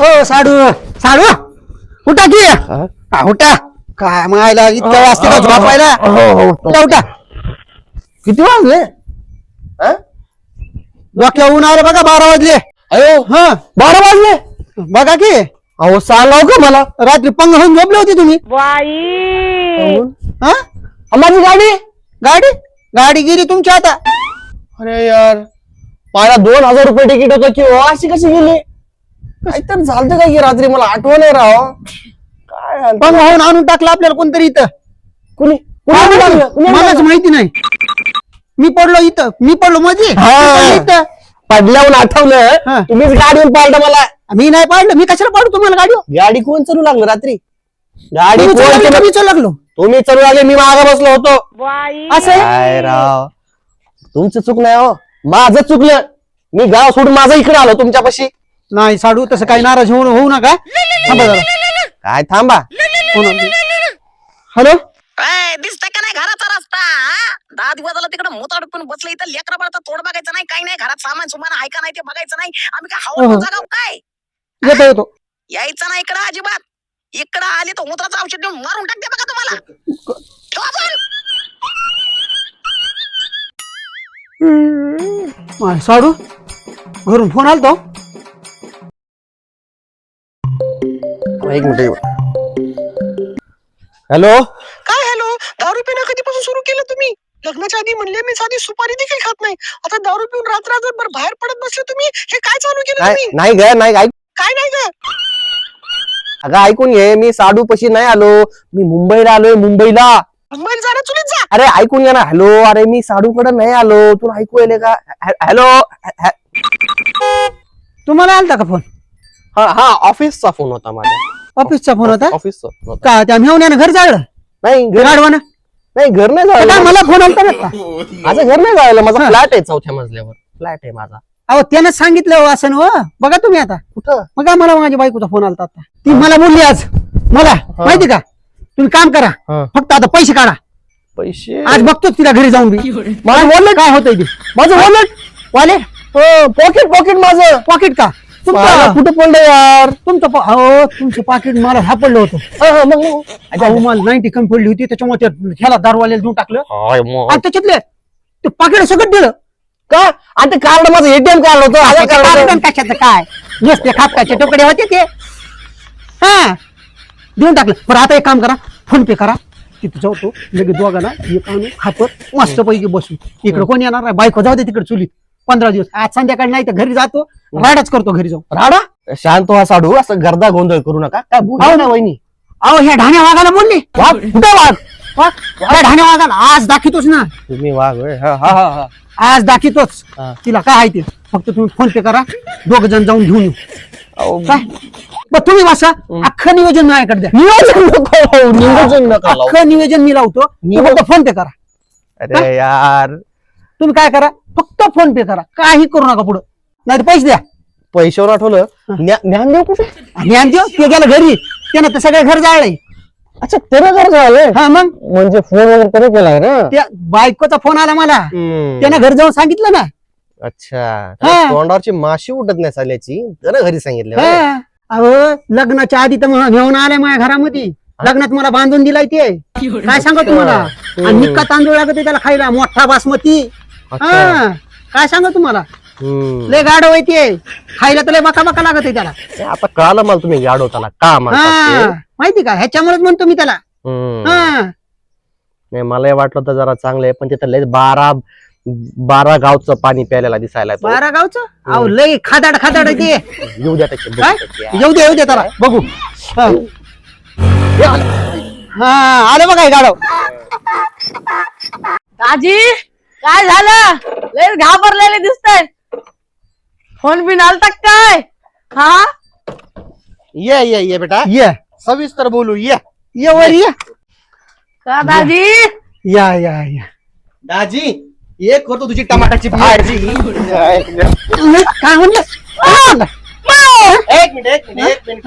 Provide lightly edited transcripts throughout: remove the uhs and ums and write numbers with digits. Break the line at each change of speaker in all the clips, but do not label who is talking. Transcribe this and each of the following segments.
हो साडू साडू उठा की उठा काय मायला इतक्या वाजते का झोपायला उठा उठा किती वाजले डोक्या ऊन आले बघा 12 वाजले
अयो
हा
12 वाजले
बघा की
अहो सांगाव का मला
रात्री पंग होऊन झोपले होते तुम्ही हा
माझी गाडी
गाडी गाडी गेली तुमच्या आता
अरे यार मला 2000 रुपये तिकीट होतं की अशी कशी गेली काहीतरी झालं काय की रात्री मला आठवण नाही राव काय
पंग होऊन आणून टाकलं आपल्याला कोणतरी इथं
कुणी
मलाच माहिती नाही मी पडलो मध्ये इथं
पडल्यावर
हा.
आठवलं तुम्हीच गाडीवर पाळता मला
मी नाही पाडलं मी कशाला पाडू तुम्हाला गाडी
गाडी कोण चालू लागलं रात्री गाडी
मी लागलो
तुम्ही चालू लागले मी मागे बसलो होतो
असं आहे?
काय राव तुमचं चूक नाही हो माझं चुकलं मी गाव सोडून माझं इकडे आलो तुमच्यापाशी
नाही साडू तसं काही नाराज होऊ नका थांबा जरा
काय थांबा
हॅलो
दिसतंय का नाही घराचा रस्ता 10 दिवस झाला तिकडे मोताड पण बसलं इथं लेकरा बाळाचा तोड बघायचं नाही काही नाही घरात सामान सुमान आहे का नाही ते बघायचं नाही आम्ही काय हवा जागाव काय
येतो
यायचं नाही इकडं अजिबात इकडं आली तर मूत्राचं औषध देऊन मारून टाकते बघा तुम्हाला ठेवा फोन.
साडू घरून फोन आलतो
एक मिनिट हॅलो
काय हॅलो दारू पिणं कधीपासून सुरू केलं तुम्ही लग्नाच्या आधी म्हणले मी साधी सुपारी देखील खात नाही आता दारू पिऊन रात्र बाहेर पडत बसले तुम्ही हे काय चालू केलं तुम्ही
नाही ग नाही ऐक
काय नाही ग
अगं ऐकून घे मी साडू पशी नाही आलो मी मुंबईला आलोय मुंबईला
मुंबईला जाणं चुलीत जा
अरे ऐकून घ्या ना हॅलो अरे मी साडूकडे नाही आलो तुला ऐकू येले का हॅलो
तुम्हाला आलता का फोन
हा हा ऑफिसचा फोन होता माझा
ऑफिसचा फोन होता
ऑफिसचा
का त्या मेवण्यानं घर जाळलं
नाही घर
गाडवानं
नाही घर नाही
काय
जायला
मला फोन आलता का
माझं घर नाही जायला माझा
हा.
फ्लॅट आहे 4थ्या मजल्यावर फ्लॅट आहे माझा
अहो त्यानं सांगितलं असं हो बघा तुम्ही आता
कुठं
मग काय मला माझ्या बायकोचा फोन आलता आता ती मला बोलली आज मला माहिती का तुम्ही काम करा
हा.
फक्त आता पैसे काढा
पैसे
आज बघतोच तिला घरी जाऊन मी मला बोलले काय होतंय ते माझं वॉलेट वॉलेट
पॉकेट माझं
पॉकेट का
मला
तुमचं
कुठं पडलं यार
तुमचं पाकिट मला सापडलं होतं अहो, मला 90 कमी पडली होती त्याच्यामुळे ह्याला दारवाल्याला देऊन टाकलं आणि त्याच्यातले ते पाकिट सगळं दिलं
का आणि ते कार्ड माझं एटीएम कार्ड होतं आधार कार्ड होतं.
कशाचं काय नुसते खापकाचे तुकडे होते ते हा देऊन टाकलं पण आता एक काम करा फोन पे करा तिथे जाऊ तो लगेच दोघांना एक आणू खापत मस्त पैकी बसू इकडे कोण येणार नाही बायको जाऊ दे तिकडे चुलीत 15 दिवस आज संध्याकाळी नाही तर घरी जातो राडाच करतो घरी जाऊ
राडा शांत व्हा साडू असं गर्दा गोंधळ करू नका काय बोलू ना वहिनी
अहो ह्या ढाण्या वाघाला बोलली
वाघ कुठे वाघ
ह्या ढाण्या वाघाला आज दाखवतोच ना
तुम्ही वाघ होय हा हा हा
आज दाखवतोच
हा.
तिला काय आहे ते फक्त तुम्ही फोन पे करा 2 जण जाऊन घेऊन येऊ
अहो,
काय बरं तुम्ही वाचा अख्खं नियोजन माझ्याकडे द्या
नियोजन नको नियोजन नका लावू.
अख्खं नियोजन मी लावतो तुम्ही फक्त फोन पे करा
अरे यार
तुम्ही काय करा फक्त फोन पे करा काही करू नका पुढं नाही पैसे द्या
पैशावर आठवलं ज्ञान देऊ कुठे
ज्ञान देऊ ते गेलं घरी त्यानं तर सगळे घर जाळले
अच्छा त्यानं घर झालंय
हा मग
म्हणजे फोन वगैरे त्याने केलाय ना
त्या बायकोचा फोन आला मला त्यानं घर जाऊन सांगितलं ना
अच्छा
हा.
तोंडावरची माशी उठत नाही साल्याची त्यानं घरी सांगितलं होय.
हा. अहो लग्नाच्या आधी तर घेऊन आलाय माझ्या घरामध्ये लग्नात मला बांधून दिलाय ते काय सांगा तुम्हाला आणि निक्का तांदूळ लागत त्याला खायला मोठा बासमती
अच्छा.
हा काय सांगा तुम्हाला लय गाड ते खायला तर लय बका बका लागत आहे त्याला
आता कळालं मला तुम्ही गाडवताना का म्हणतात
हा
ते.
माहिती का ह्याच्यामुळेच म्हणतो मी त्याला हा
नाही मला वाटलं तर जरा चांगलं आहे पण तिथं लय 12 गावचं पाणी प्यायला दिसायला तो.
12 गावचं अहो लय खादाड खादाड आहे ते
येऊ द्या त्याचे
काय येऊ दे त्याला बघू हा. हा आलं बघा हे गाडव
दाजी काय झालं लय घाबरलेले दिसतंय फोन बिन आलता काय हा
ये बेटा
ये
सविस्तर बोलू ये
वर ये
का दाजी
या
दाजी ये करतो तुझी टमाटाची भाजी
काय म्हणलं
एक मिनिट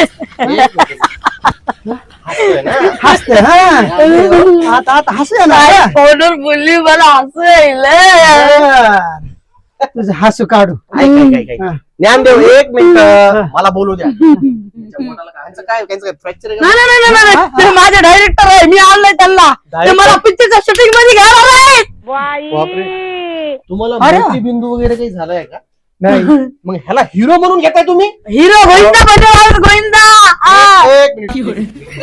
हसते हा आता हसू ना
फोनवर बोलली मला हसू येईल
तुझं हसू काढू हा.
ज्ञानदेव एक मिनिट
हा.
मला बोलू द्या त्यांच्या पोटाला काय फ्रॅक्चर
नाही ते माझे डायरेक्टर आहे, मी आणलंय त्यांना. ते मला पिक्चरच्या शूटिंग मध्ये घेणार आहेत.
बापरे तुम्हाला
अरे.
मोतीबिंदू वगैरे काही झालाय का
नाही
मग ह्याला हिरो म्हणून घेताय तुम्ही
हिरो गोविंदा बनवणार गोविंदा.
एक मिनिट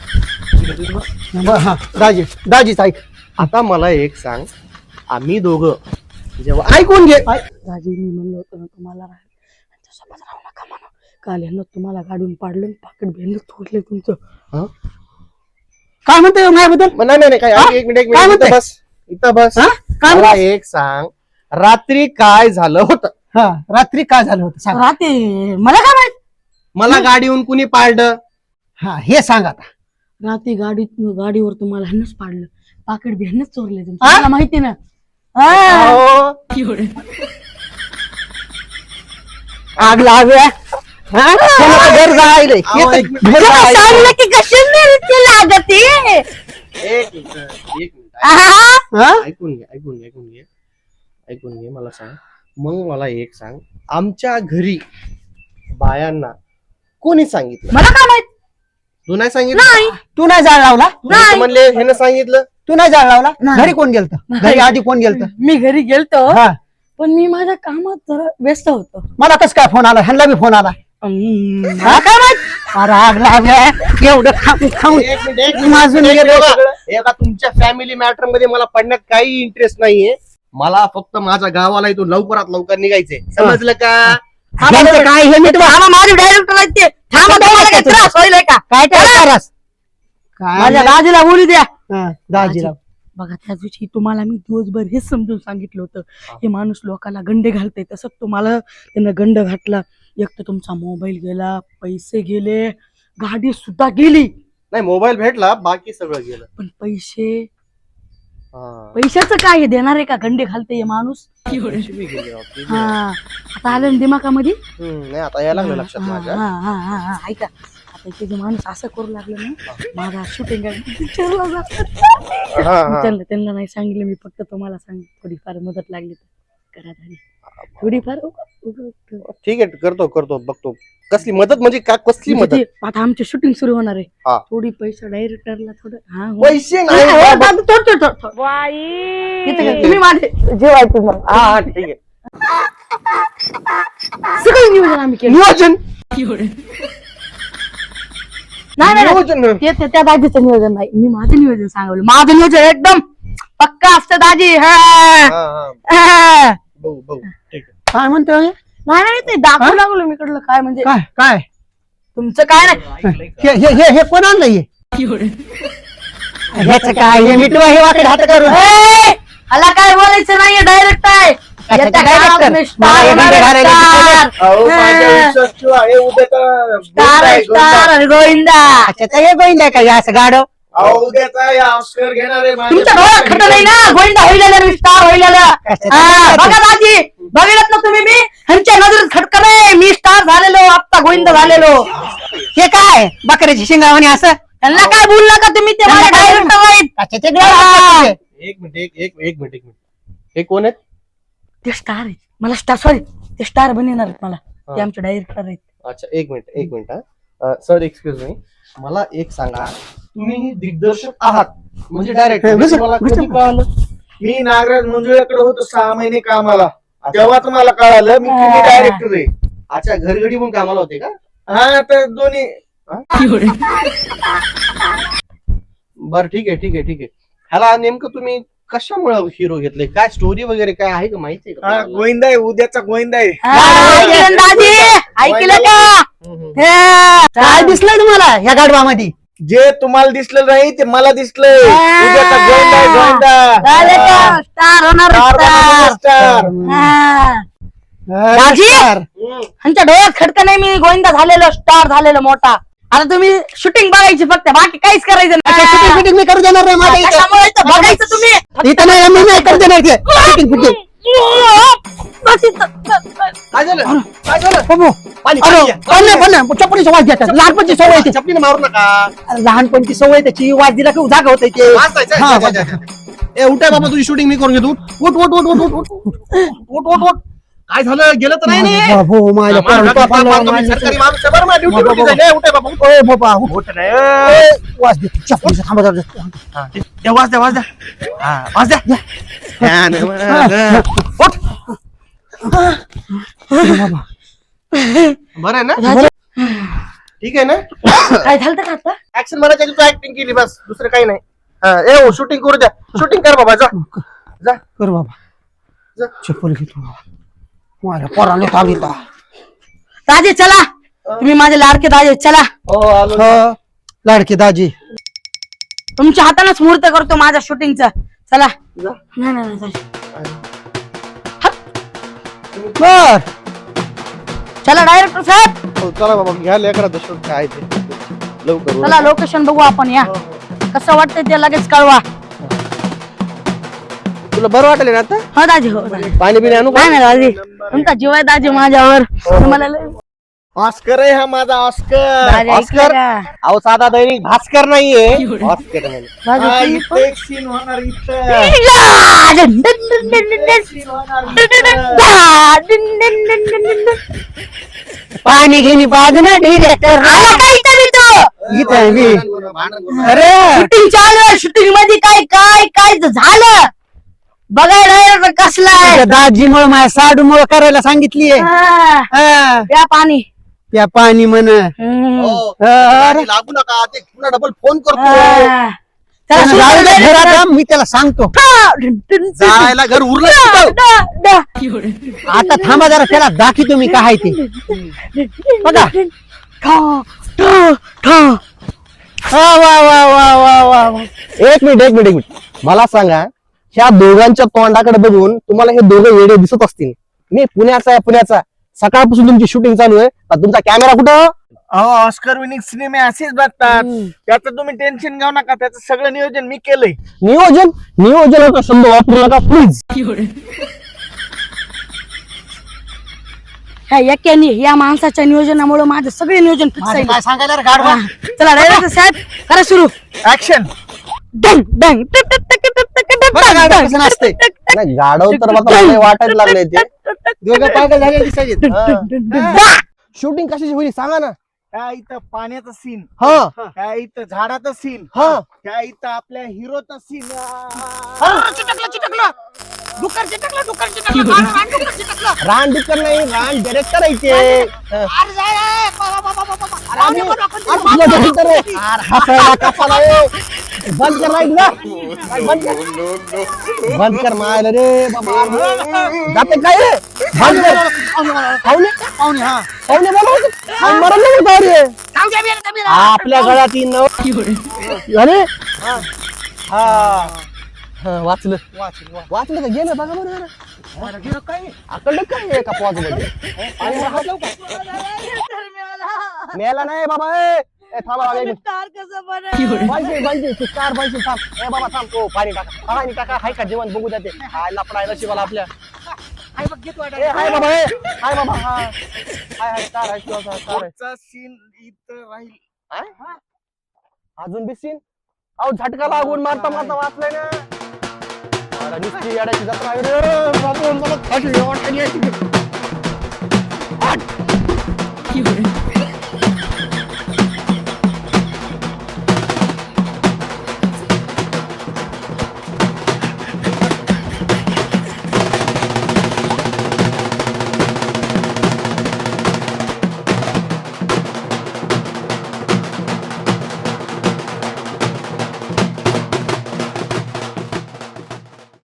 हा दाजीच ऐक
आता मला एक सांग आम्ही दोघं जेव्हा ऐकून घे
राजी मी म्हणलं होतं ना तुम्हाला त्यांच्यासोबत राहू नका म्हणून. काल यांना तुम्हाला गाडून पाडलं, पाकिट भेंड थोडले तुमचं.
हं?
काय म्हणते माझ्याबद्दल
नाही काय
हा?
एक मिनिट
काय म्हणते?
इथं बस
हा? काय
मला
म्हणते?
एक सांग रात्री काय झालं होतं
हा रात्री काय झालं होतं सांग
रात्री मला काय माहित.
मला गाडीहून कुणी पाळलं
हा हे सांग आता
रात्री गाडीवर तुम्हाला ह्यांनाच पाडलं, पाकिट भेंडच चोरले तुमचं.
हा?
मला माहिती ना. हा.
अहो,
आग लाव्या हा? त्याला तर घर जायलंय. हे तर
एक मिनिट.
घर
तुला
जायलंय.
सांगलं की कशी मिळते लागते.
एक मिनिट
हा?
ऐकून घे मला सांग मग मला एक सांग आमच्या घरी बायांना कोणी सांगितलं
मला काय माहित.
तू नाही सांगितलं
नाही
तू नाही जाळ लावला
तुम्ही तर म्हणले ह्यानं सांगितलं
तू नाही जाळ लावला
नाही.
घरी कोण गेलत घरी आधी कोण गेलत
मी घरी गेलतो
हा
पण मी माझ्या कामात जरा व्यस्त होतो.
मला कस काय फोन आला ह्यांना बी फोन आला
मला काय माहित.
अरे आग लाव्या एवढं खाऊन
एक मिनिट
माझून गेलं सगळं.
एका तुमच्या फॅमिली मॅटर मध्ये मला पडण्यात काही इंटरेस्ट नाहीये मला फक्त माझ्या गावाला इथून लवकरात लवकर निघायचंय समजलं का
ह्यांचं काय हे मिटवा
थांबा, माझे डायरेक्टर आहेत ते. थांबा, तुम्हाला काही त्रास होईल का?
काय करास
माझ्या दाजीला बोलू द्या.
दाजीला
बघा त्या दिवशी तुम्हाला मी दिवसभर हेच समजून सांगितलं होतं हे माणूस लोकांना गंडे घालतंय, तसं तुम्हाला त्यानं गंड घातला. एक तर तुमचा मोबाईल गेला, पैसे गेले, गाडी सुद्धा गेली,
नाही मोबाईल भेटला बाकी सगळं गेलं
पण पैसे
हा.
पैशाचं काय हे देणार आहे का? गंडे घालतंय हे माणूस.
पैसे बी गेले राव, ते बी
हा
आहे.
आता आलं ना दिमागामध्ये.
नाही आता यायला लागलं लक्षात माझ्या
हा ऐका आता ते जे माणूस असं करू लागलं ना माझा शूटिंग पिक्चरला
हा, हा.
त्यांना नाही सांगितलं मी फक्त तुम्हाला सांग थोडीफार मदत लागली तर करा झाली थोडीफार
ठीक आहे करतो बघतो कसली मदत म्हणजे का कसली मदत
आता आमचे शूटिंग सुरू होणार आहे
हा.
थोडी पैसे डायरेक्टरला थोडं हा हो.
पैसे नाही बाबा.
इथे काय, तुम्ही माझे जेवायचं मग
हा ठीक आहे
सगळं नियोजन आम्ही केलं.
नियोजन
नाही
नियोजन
त्या दाजीचं नियोजन नाही मी माझं नियोजन सांगवलं. माझं नियोजन एकदम पक्का असतं दाजी.
हा, हा. बघू ठीक आहे
काय म्हणतोय
नाही ते दाखवू लागलो मी कडलं काय म्हणजे
काय काय
तुमचं काय नाही.
हे कोण आणलं हे ह्याचं काय हे मिटवा हे वाकडे हात करून
ए, मला काय बोलायचं नाहीये डायरेक्ट आहे
अच्छा,
येत्या
director.
काळात मी star
मला हे
होणार आहे,
घालायला
star.
अहो, माझ्या
हा.
विश्वास ठेवा, हे उद्याचा
स्टार आहे, स्टार आणि गोविंदा.
अच्छा तर हे गोविंदा काय असं गाडव
अहो, उद्याचा या ऑस्कर घेणार आहे माझ्या
तुमच्या डोळ्यात खट नाही ना गोविंदा होईल मी स्टार होईल बघा दाजी बघितलं ना तुम्ही मी ह्यांच्या नजरेत खटका नाही मी स्टार झालेलो आत्ता गोविंदा झालेलो.
हे काय बकऱ्याची शिंगावणी असं
त्यांना काय बोलू नका तुम्ही ते माझे डायरेक्टर आहेत.
अच्छा ते गाडव.
एक मिनिट हे कोण आहेत
ते स्टार आहेत मला स्टार सॉरी ते स्टार बनवणार आहेत मला ते आमचे डायरेक्टर आहेत.
अच्छा एक मिनिट हा सर एक्सक्यूज मी मला एक सांगा तुम्ही दिग्दर्शक आहात म्हणजे डायरेक्टर मला कधी कळालं
मी नागराज मंजुळ्याकडे होतो 6 महिने कामाला तेव्हा तुम्हाला कळालं मी डायरेक्टर आहे.
अच्छा घरगडी पण कामाला होते का
हा तर दोन्ही
बरं ठीक आहे ह्याला नेमकं तुम्ही कशामुळे हिरो घेतले काय स्टोरी वगैरे काय आहे का माहिती आहे का
हा
तुम्हाला?
गोविंदा आहे उद्याचा गोविंदा आहे.
ऐकलं ना दाजी ऐकलं का हे.
काय दिसलंय तुम्हाला ह्या गाडवामध्ये
जे तुम्हाला दिसलं नाही ते मला दिसलंय उद्याचा गोविंदा आहे
झालं
गोविंदा
का? स्टार होणार स्टार.
स्टार.
हा. दाजी ह्यांच्या डोळ्यात खडकं नाही मी गोविंदा झालेलो स्टार झालेलो मोठा. आता तुम्ही शूटिंग बघायची फक्त बाकी काहीच करायचं
शूटिंग
नाही.
फिटिंग मी करू देणार नाही माझ्या इथं.
कशामुळे इथं बघायचं तुम्ही
इथं नाही मी नाही करू देणार ते. शूटिंग फिटिंग
बस इथं.
काय झालं
बाबू, अरे पण नाही चपलीची वाज घेतात लहानपणची सवय आहे ती.
चपलीने मारू नका
लहानपणची सवय त्याची वाज दिला की जागा होते ते
वाचायचं,
हा,
जा. ए उठाय बाबा तुझी शूटिंग मी करून घेतो उठ काय झालं गेलं तर नाही ना?
बाबू, माझ्या पोराला
बाबा,
पापाला
बाबा, तुम्ही
माझ्या-
सरकारी माणूस आहे बरं ना, ड्युटी
बाबा,
ड्युटी जायला. ए, उठे बाबा, उठ.
ओय बाबा,
उठ नाही, ए.
ओय, वास दे चपलीचा, थांबा जरा.
हा, द्या, वाज द्या, वाज द्या. हा, वाज द्या. हा, नाही, उठ.
बाबा,
बरं आहे ना?
राजे,
ठीक आहे ना?
काय झालं का आता?
ऍक्शन म्हणायच्या तू ऍक्टिंग केली बस, दुसरं काही नाही. हा, ए हो, शूटिंग करू द्या. शूटिंग कर बाबा, जा जा.
कर बाबा,
जा.
चप्पल घेतो बाबा. माझ्या पोराला ताबीता.
राजे चला, तुम्ही माझे लाडके दाजे चला.
हो, आलो.
हो, लाडके दाजी.
तुमच्या हातानेच मुहूर्त करतो माझ्या शूटिंगचा. चला.
जा.
नाही नाही नाही.
बर,
चला डायरेक्टर साहेब,
हो, चला बाबा, घ्या लेकराचं शूट काय ते लवकर
चला लोकेशन बघू आपण. या कसं वाटतंय ते लगेच कळवा.
तुला बरं वाटेल ना आता?
हो दाजी, हो दाजी.
पाणी बिणी आणू का?
नाही नाही दाजी, तुमचा जीव आहे दाजी माझ्यावर. तुम्हाला लय-
ऑस्कर आहे हा माझा ऑस्कर.
दाजी
ऑस्कर
ऐकलं का?
अहो साधा दैनिक भास्कर नाहीये, ऑस्कर आहे.
दाजी,
हा,
तुम्ही
इथं एक सीन होणार इथं.
पाणी घेणी बाग ना डिरेक्टर. इथं आहे मी. अरे
शूटिंग चालू आहे. शूटिंग मध्ये काय काय काय झालं बघायला कसला आहे.
दाजीमुळे माझ्या साडूमुळे करायला सांगितलीये.
प्या पाणी.
त्या पाणी म्हण.
हो,
अरे,
लागू नका, ते पुन्हा डबल फोन करतो.
चला,
त्यानं जाऊ दे घरात
शूटिंग
जा, मी त्याला सांगतो.
जायला घर उरलं कुठं?
आता थांबा जरा, त्याला दाखी तुम्ही काय आहे ते. बघा. वा वा वा वा वा वा वा.
एक मिनिट मला सांगा, ह्या दोघांच्या तोंडाकडे बघून तुम्हाला हे दोघं वेडे दिसत असतील. मी पुण्याचा सकाळपासून तुमची शूटिंग चालू आहे, पण तुमचा कॅमेरा कुठं?
अहो, ऑस्कर विनिंग सिनेमे असेच बघतात. त्याचं तुम्ही टेन्शन घेऊ नका, त्याचं सगळं नियोजन मी केलंय.
नियोजनाचा शब्द वापरू नका प्लीज.
या माणसाच्या नियोजनामुळे माझं सगळे नियोजन फिक्स
माझं
आहे.
काय सांगायला रे गाढवा?
चला डायरेक्टर साहेब करा सुरू.
ऍक्शन.
डंग डंग
बघा गाढव कसं नाचतंय.
नाही, गाढव तर मला लय वाटायला लागले ते.
दोघं पागल झाले दिसायचे.
शूटिंग कशाची होईल सांगा ना.
त्या इथं पाण्याचा सीन,
हा
त्या इथं झाडाचा सीन,
हा
त्या इथं आपल्या हिरोचा सीन.
रान डिक्कर नाही, रान डायरेक्टर आहे ते. हसायला कशाला रे? बंद कर लाईट ना. बंद कर मायला रे बाबा. जाते काय रे? बंद कर. पाहुणे बोलवतो. मरण नाही होत रे. आपल्या गळ्यात येईन ना. अरे हा वाचलं वाचलं का गेलं बघा बरं जरा. आकडलं काय एका पॉज मध्ये. मेला नाही बाबा. ए थांबा बाबा, एक मिनिट. बांधते तू कार बांधते थांब. ए बाबा थांब. ओ पाणी टाका, पाणी टाका. हाय का जेवण बघू जाते. हाय लपडायला शिवाला आपल्या. ए हाय बाबा. हाय बाबा. हाय कार आहे शिवाचा कार आहे.
पुढचा सीन इथं राहील.
हाय? अजून बी सीन. अहो झटका लागून मारता वाचलाय ना. नुसती येड्याची जत्रा आहे रे. बाबा, मला फाशी वाटली.